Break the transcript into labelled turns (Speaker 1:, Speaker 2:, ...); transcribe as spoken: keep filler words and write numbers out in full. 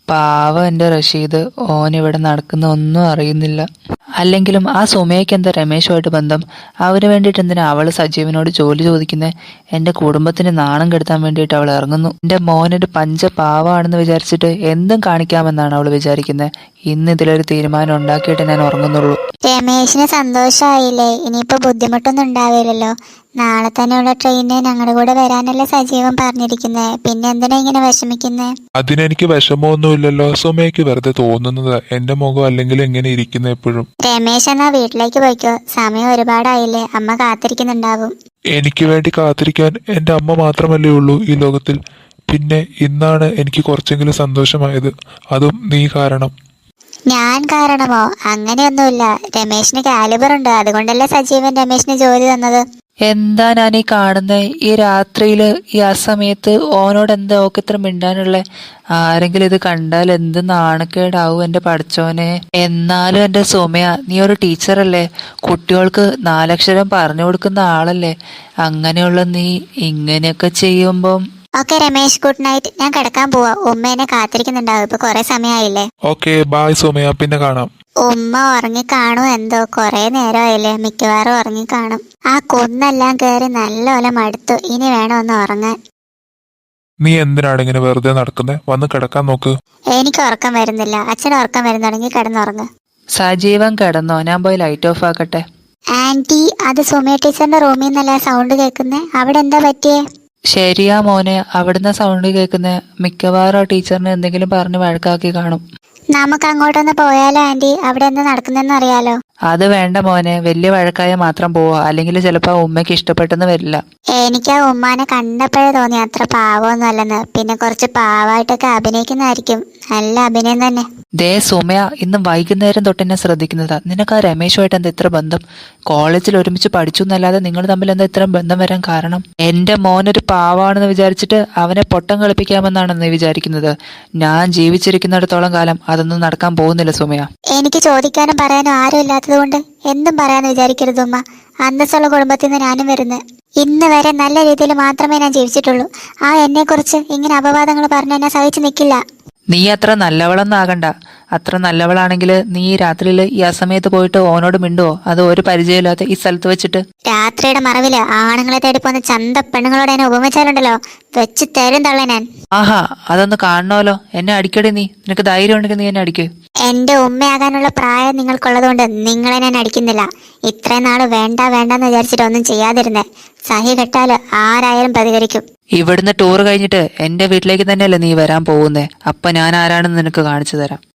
Speaker 1: പാവം എൻ്റെ റഷീദ്, ഓൻ ഇവിടെ നടക്കുന്ന ഒന്നും അറിയുന്നില്ല. അല്ലെങ്കിലും ആ സുമയ്ക്ക് എന്താ രമേശുമായിട്ട് ബന്ധം? അവന് വേണ്ടിയിട്ട് എന്തിനാ അവള് സജീവനോട് ജോലി ചോദിക്കുന്നത്? എൻ്റെ കുടുംബത്തിന് നാണം കെടുത്താൻ വേണ്ടിയിട്ട് അവൾ ഇറങ്ങുന്നു. എൻ്റെ മോനൊരു പഞ്ച പാവാണെന്ന് വിചാരിച്ചിട്ട് എന്തും കാണിക്കാമെന്നാണ് അവൾ വിചാരിക്കുന്നത്. ഇന്ന് ഇതിലൊരു തീരുമാനം ഉണ്ടാക്കിയിട്ട് ഞാൻ ഉറങ്ങുന്നുള്ളൂ.
Speaker 2: രമേശിന് സന്തോഷമായില്ലേ? ഇനിയിപ്പോ ബുദ്ധിമുട്ടൊന്നും ഉണ്ടാവില്ലല്ലോ. നാളെ തന്നെയുള്ള ട്രെയിനിന് ഞങ്ങളുടെ കൂടെ വരാനല്ലേ സജീവൻ പറഞ്ഞിരിക്കുന്നേ. പിന്നെ എന്തിനാ ഇങ്ങനെ വിഷമിക്കുന്നേ?
Speaker 3: അതിനെനിക്ക് വിഷമമൊന്നുമില്ലല്ലോ. സുമയ്ക്ക് വെറുതെ തോന്നുന്നത്. എന്റെ മുഖം അല്ലെങ്കിൽ എങ്ങനെ ഇരിക്കുന്ന എപ്പോഴും.
Speaker 2: രമേശ് എന്നാ വീട്ടിലേക്ക് പോയിക്കോ, സമയം ഒരുപാടായില്ലേ, അമ്മ കാത്തിരിക്കുന്നുണ്ടാവും.
Speaker 3: എനിക്ക് വേണ്ടി കാത്തിരിക്കാൻ എന്റെ അമ്മ മാത്രമല്ലേ ഉള്ളൂ ഈ ലോകത്തിൽ. പിന്നെ ഇന്നാണ് എനിക്ക് കുറച്ചെങ്കിലും സന്തോഷമായത്, അതും നീ കാരണം.
Speaker 2: ഞാൻ കാരണമോ? അങ്ങനെയൊന്നുമില്ല. രമേശിന് കാലിബർ ഉണ്ട്, അതുകൊണ്ടല്ലേ സജീവൻ രമേശിന് ജോലി തന്നത്.
Speaker 1: എന്താ ഞാൻ ഈ കാണുന്നത്? ഈ രാത്രിയില് ഈ ആ സമയത്ത് ഓനോട് എന്താ ഓക്ക് ഇത്ര മിണ്ടാനുള്ളേ? ആരെങ്കിലും ഇത് കണ്ടാൽ എന്ത് നാണക്കേടാവും എൻ്റെ പഠിച്ചോനെ. എന്നാലും എൻ്റെ സുമയ, നീ ഒരു ടീച്ചറല്ലേ, കുട്ടികൾക്ക് നാലക്ഷരം പറഞ്ഞു കൊടുക്കുന്ന ആളല്ലേ. അങ്ങനെയുള്ള നീ ഇങ്ങനെയൊക്കെ ചെയ്യുമ്പം.
Speaker 2: Okay Ramesh, good night. ഞാൻ കിടക്കാൻ പോവാ, ഉമ്മ എന്നെ കാത്തിരിക്കുന്നുണ്ടാവും. ഇപ്പൊ കൊറേ സമയമായില്ലേ.
Speaker 3: ഓക്കെ ബായ് സുമയ, പിന്നെ കാണാം.
Speaker 2: ഉമ്മ ഉറങ്ങിക്കാണും എന്തോ, കൊറേ നേരമായില്ലേ, മിക്കവാറും ഉറങ്ങിക്കാണും. ആ കുന്നെല്ലാം കയറി നല്ലപോലെ മടുത്തു, ഇനി വേണം ഒന്ന് ഉറങ്ങാൻ.
Speaker 3: നീ എന്തിനാണ് ഇങ്ങനെ വെറുതെ നടക്കുന്നത്? വന്ന് കിടക്കാൻ നോക്ക്.
Speaker 2: എനിക്ക് ഉറക്കം വരുന്നില്ല. അച്ഛൻ ഉറക്കം വരുന്നുണ്ടെങ്കിൽ കിടന്നുറങ്ങ്.
Speaker 1: സജീവൻ കിടന്നോ? ഞാൻ പോയി ലൈറ്റ് ഓഫ് ആക്കട്ടെ.
Speaker 2: ആന്റി, അത് സുമയ ടീച്ചറിന്റെ റൂമിൽ നിന്നല്ലേ സൗണ്ട് കേൾക്കുന്നേ? അവിടെ എന്താ പറ്റിയേ?
Speaker 1: ശരിയാ മോനെ, അവിടുന്ന് സൗണ്ട് കേൾക്കുന്നത്. മിക്കവാറും ആ ടീച്ചറിനെ എന്തെങ്കിലും പറഞ്ഞ് വഴക്കാക്കി കാണും.
Speaker 2: നമുക്ക് അങ്ങോട്ടൊന്ന് പോയാലോ ആന്റി? അവിടെ എന്താ നടക്കുന്നെന്ന് അറിയാലോ.
Speaker 1: അത് വേണ്ട മോനെ, വലിയ വഴക്കായ മാത്രം പോവാ, അല്ലെങ്കിൽ ചിലപ്പോ ഉമ്മയ്ക്ക് ഇഷ്ടപ്പെട്ടെന്ന് വരില്ല.
Speaker 2: എനിക്ക് ആ ഉമ്മാനെ കണ്ടപ്പോഴേ തോന്നി അത്ര പാവമൊന്നും അല്ലെന്ന്. പിന്നെ കുറച്ച് പാവായിട്ടൊക്കെ അഭിനയിക്കുന്നതായിരിക്കും. നല്ല അഭിനയം തന്നെ.
Speaker 1: ദേ സുമയ, ഇന്ന് വൈകുന്നേരം തൊട്ട് എന്നെ ശ്രദ്ധിക്കുന്നതാ. നിനക്ക് ആ രമേശുമായിട്ട് എന്താ ഇത്ര ബന്ധം? കോളേജിൽ ഒരുമിച്ച് പഠിച്ചു എന്നല്ലാതെ നിങ്ങൾ തമ്മിൽ എന്താ ഇത്ര ബന്ധം വരാൻ കാരണം? എന്റെ മോനൊരു പാവാണെന്ന് വിചാരിച്ചിട്ട് അവനെ പൊട്ടം കളിപ്പിക്കാമെന്നാണ് നീ വിചാരിക്കുന്നത്? ഞാൻ ജീവിച്ചിരിക്കുന്നിടത്തോളം കാലം അതൊന്നും നടക്കാൻ പോകുന്നില്ല സുമയ.
Speaker 2: എനിക്ക് ചോദിക്കാനും പറയാനും ആരും ഇല്ലാത്തത് കൊണ്ട് എന്തും പറയാന്ന് വിചാരിക്കരുത് ഉമ്മ. അന്തസ്സുള്ള കുടുംബത്തിൽ നിന്ന് ഞാനും വരുന്നത്. ഇന്ന് വരെ നല്ല രീതിയിൽ മാത്രമേ ഞാൻ ജീവിച്ചിട്ടുള്ളൂ. ആ എന്നെ കുറിച്ച് ഇങ്ങനെ അപവാദങ്ങൾ പറഞ്ഞ് എന്നെ സഹിച്ചു നിൽക്കില്ല.
Speaker 1: നീ അത്ര നല്ലവളൊന്നും ആകണ്ട. അത്ര നല്ലവളാണെങ്കിൽ നീ ഈ രാത്രിയിൽ ഈ അസമയത്ത് പോയിട്ട് ഓനോട് മിണ്ടുവോ? അത് ഒരു പരിചയമില്ലാത്ത ഈ സ്ഥലത്ത് വെച്ചിട്ട്.
Speaker 2: രാത്രിയുടെ മറവില് ആണുങ്ങളെ തേടി പോകുന്ന ചന്ത പെണ്ണുങ്ങളോട് എന്നെ ഉപമിച്ചാലുണ്ടല്ലോ, വെച്ച് തരും തള്ള ഞാൻ.
Speaker 1: ആഹാ, അതൊന്ന് കാണണമല്ലോ. എന്നെ അടിക്കടി നീ. നിനക്ക് ധൈര്യം ഉണ്ടെങ്കിൽ നീ എന്നെ അടിക്ക്.
Speaker 2: എന്റെ ഉമ്മയാകാനുള്ള പ്രായം നിങ്ങൾക്കുള്ളതുകൊണ്ട് നിങ്ങളെ ഞാൻ അടിക്കുന്നില്ല. ഇത്രയും നാള് വേണ്ട വേണ്ടെന്ന് വിചാരിച്ചിട്ട് ഒന്നും ചെയ്യാതിരുന്നേ. സഹി കെട്ടാല് ആരായാലും പ്രതികരിക്കും.
Speaker 1: ഇവിടുന്ന് ടൂർ കഴിഞ്ഞിട്ട് എന്റെ വീട്ടിലേക്ക് തന്നെയല്ലേ നീ വരാൻ പോകുന്നേ? അപ്പൊ ഞാൻ ആരാണെന്ന് നിനക്ക് കാണിച്ചു തരാം.